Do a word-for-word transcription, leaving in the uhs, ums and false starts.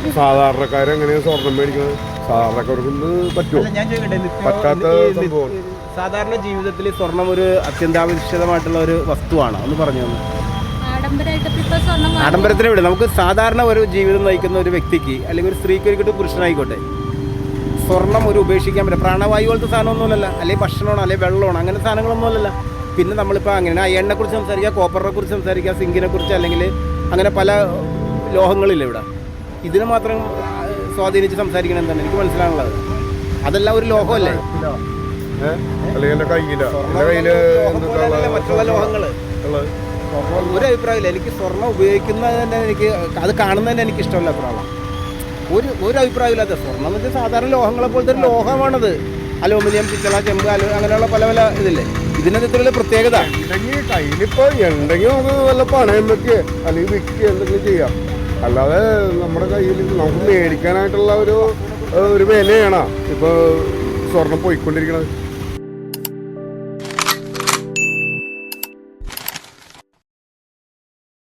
സാധാരണക്കാരെങ്ങനെയാണ് സ്വർണം മേടിക്കുന്നത്? സാധാരണക്കാർക്ക് പറ്റുമോ? ഞാൻ ചോദിക്കട്ടെ, പറ്റാത്ത സംഭവം. സാധാരണ ജീവിതത്തിൽ സ്വർണം ഒരു അത്യന്താപേക്ഷിതമായിട്ടുള്ള ഒരു വസ്തുവാണ്. ഒന്ന് പറഞ്ഞു തന്നെ. ആഡംബരത്തിന് വിടും. നമുക്ക് സാധാരണ ഒരു ജീവിതം നയിക്കുന്ന ഒരു വ്യക്തിക്ക് അല്ലെങ്കിൽ ഒരു സ്ത്രീക്ക് ഒരിക്കലും പുരുഷനായിക്കോട്ടെ സ്വർണം ഒരു ഉപേക്ഷിക്കാൻ പറ്റില്ല. പ്രാണവായു പോലത്തെ സാധനമൊന്നുമല്ല, അല്ലെങ്കിൽ ഭക്ഷണമാണോ അല്ലെങ്കിൽ വെള്ളമാണോ അങ്ങനെ സാധനങ്ങളൊന്നുമല്ല. പിന്നെ നമ്മളിപ്പോൾ അങ്ങനെ ആ എണ്ണയെക്കുറിച്ച് സംസാരിക്കുക, കോപ്പറിനെ കുറിച്ച് സംസാരിക്കുക, സിങ്കിനെ കുറിച്ച്, അല്ലെങ്കിൽ അങ്ങനെ പല ലോഹങ്ങളില്ല ഇവിടെ. ഇതിനെ മാത്രം സ്വാധീനിച്ച് സംസാരിക്കണം എന്താണ് എനിക്ക് മനസ്സിലാണുള്ളത്. അതെല്ലാം ഒരു ലോഹമല്ലേ? മറ്റുള്ള ലോഹങ്ങൾ ഒരു അഭിപ്രായമില്ല. എനിക്ക് സ്വർണ്ണം ഉപയോഗിക്കുന്നത് തന്നെ എനിക്ക് അത് കാണുന്നത് തന്നെ എനിക്ക് ഇഷ്ടമല്ല. അഭിപ്രായം ഒരു ഒരു അഭിപ്രായമില്ലാത്ത സ്വർണ്ണം എന്ന് വെച്ചാൽ സാധാരണ ലോഹങ്ങളെ പോലത്തെ ഒരു ലോഹമാണത്. അലൂമിനിയം, പിച്ചള, ചെമ്പ്, അലു അങ്ങനെയുള്ള പല പല ഇതില്ലേ. ഇതിനകത്ത് ഇത്രയുള്ള പ്രത്യേകത ഉണ്ടെങ്കിൽ കയ്യിലിപ്പോൾ ഉണ്ടെങ്കിൽ നമുക്ക് വല്ല പണയം വെക്കുക അല്ലെങ്കിൽ വിൽക്കുക എന്തെങ്കിലും ചെയ്യാം. അല്ലാതെ നമ്മുടെ കയ്യിൽ നമുക്ക് മേടിക്കാനായിട്ടുള്ള ഒരു ഒരു വിലയാണ് ഇപ്പോൾ സ്വർണം പോയിക്കൊണ്ടിരിക്കുന്നത്.